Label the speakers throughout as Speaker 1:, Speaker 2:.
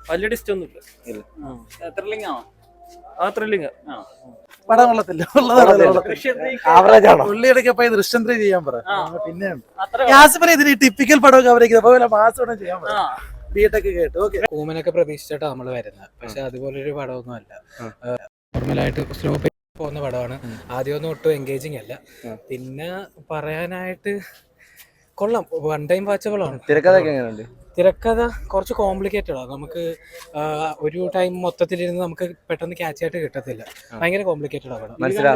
Speaker 1: വലിയ ഡിസ്റ്റ് ഒന്നുമില്ല.
Speaker 2: ത്രില്ലിംഗ് ആണോ?
Speaker 1: ആ ത്രില്ലിങ്.
Speaker 3: പടം കൊള്ളത്തില്ല, പുള്ളിയുടെ ദൃശ്യം 3 ചെയ്യാൻ പറ. പിന്നെ യാസിഫിനെ ഇതിന് ടിപ്പിക്കൽ പടമൊക്കെ അവരേക്ക് മാസം ചെയ്യാൻ പറ. ബിടെക് കേട്ട് ഓക്കെ.
Speaker 4: കൂമനൊക്കെ പ്രതീക്ഷിച്ചിട്ടാ നമ്മള് വരുന്നത്, പക്ഷെ അതുപോലൊരു പടമൊന്നും അല്ല. നോർമലായിട്ട് സ്ലോ പോകുന്ന പടമാണ്. ആദ്യമൊന്നും ഒട്ടും എൻഗേജിങ് അല്ല. പിന്നെ പറയാനായിട്ട് കൊള്ളാം, വൺ ടൈം വാച്ചബിൾ ആണ്. തിരക്കഥ കുറച്ച് കോംപ്ലിക്കേറ്റഡ് ആണ്. നമുക്ക് ഒരു ടൈം മൊത്തത്തിലിരുന്ന് നമുക്ക് പെട്ടെന്ന് ക്യാച്ച് ആയിട്ട് കിട്ടത്തില്ല. ഭയങ്കര കോംപ്ലിക്കേറ്റഡ് ആണ്.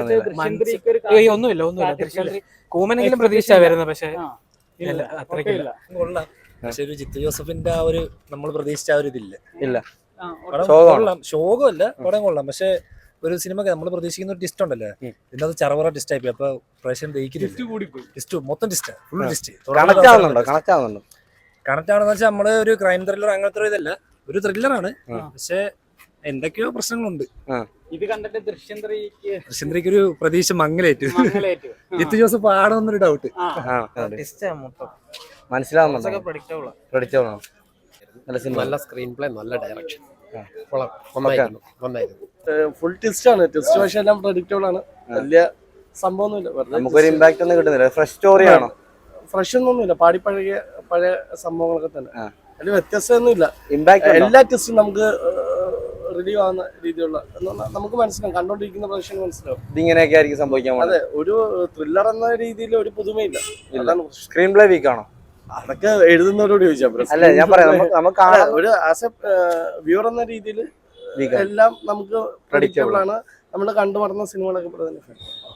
Speaker 4: ഒന്നുമില്ല. കൂമനെങ്കിലും പ്രതീക്ഷ വരുന്നത്, പക്ഷെ അത്രയ്ക്കില്ല.
Speaker 5: കൊള്ളാം, പക്ഷെ ഒരു ജിത്തു ജോസഫിന്റെ ആ ഒരു നമ്മൾ പ്രതീക്ഷിച്ച ആ ഒരു ഇതില്ല. ശോകമല്ല, പടം കൊള്ളാം. പക്ഷെ ഒരു സിനിമ നമ്മൾ പ്രതീക്ഷിക്കുന്ന ഒരു ടിസ്റ്റ് ഉണ്ടല്ലോ, പിന്നെ അത് ചറവറ ടിസ്റ്റ് ആയി. അപ്പൊ പ്രേക്ഷകൻ ടിസ്റ്റ് മൊത്തം ടിസ്റ്റ്, ഫുൾ ടിസ്റ്റ്. കണക്ട് ആണെന്ന് വെച്ചാൽ നമ്മള് ഒരു ക്രൈം ത്രില്ലർ അങ്ങനത്തെ ഒരു ഇതല്ല, ഒരു ത്രില്ലറാണ്. പക്ഷെ എന്തൊക്കെയോ പ്രശ്നങ്ങളുണ്ട്.
Speaker 2: ഇത് കണ്ടിട്ട് ദൃശ്യം
Speaker 5: 3 ഒരു പ്രതീക്ഷ മങ്ങലേറ്റു. ജിത്തു ജോസഫ് ആണെന്നൊരു ഡൗട്ട്.
Speaker 6: നല്ല സ്ക്രീൻ പ്ലേ, നല്ല ഡയറക്ഷൻ,
Speaker 3: ഫുൾ ട്വിസ്റ്റ് ആണ്. ട്വിസ്റ്റ് പക്ഷെ എല്ലാം പ്രഡിക്റ്റബിൾ ആണ്. വലിയ സംഭവമൊന്നുമില്ല.
Speaker 7: നമുക്കൊരു ഇമ്പാക്ട് ഒന്നും കിട്ടുന്നില്ല. ഫ്രഷ് സ്റ്റോറി ആണോ?
Speaker 3: ഫ്രഷ് ഒന്നുമില്ല, പഴയ സംഭവങ്ങളൊക്കെ തന്നെ. അതിൽ വ്യത്യസ്തമൊന്നുമില്ല.
Speaker 7: ഇമ്പാക്ട്
Speaker 3: എല്ലാ ട്വിസ്റ്റും നമുക്ക് റിലീവ് ആവുന്ന രീതിയിലുള്ള നമുക്ക് മനസ്സിലാവും, കണ്ടോണ്ടിരിക്കുന്ന പ്രേക്ഷകന് മനസ്സിലാവും
Speaker 7: ഇതിങ്ങനെയൊക്കെ ആയിരിക്കും സംഭവിക്കാൻ.
Speaker 3: അതെ, ഒരു ത്രില്ലർ എന്ന രീതിയിൽ ഒരു പുതുമയില്ല.
Speaker 7: സ്ക്രീൻ പ്ലേ വീക്ക് ആണോ?
Speaker 3: അതൊക്കെ എഴുതുന്നവരോട് ചോദിച്ചാൽ
Speaker 7: അല്ല, ഞാൻ പറയാം,
Speaker 3: ഒരു ആസ് എ വ്യൂവർ എന്ന രീതിയിൽ എല്ലാം നമുക്ക് പ്രഡിക്റ്റബിൾ ആണ്. നമ്മൾ കണ്ടു മറന്ന സിനിമകളൊക്കെ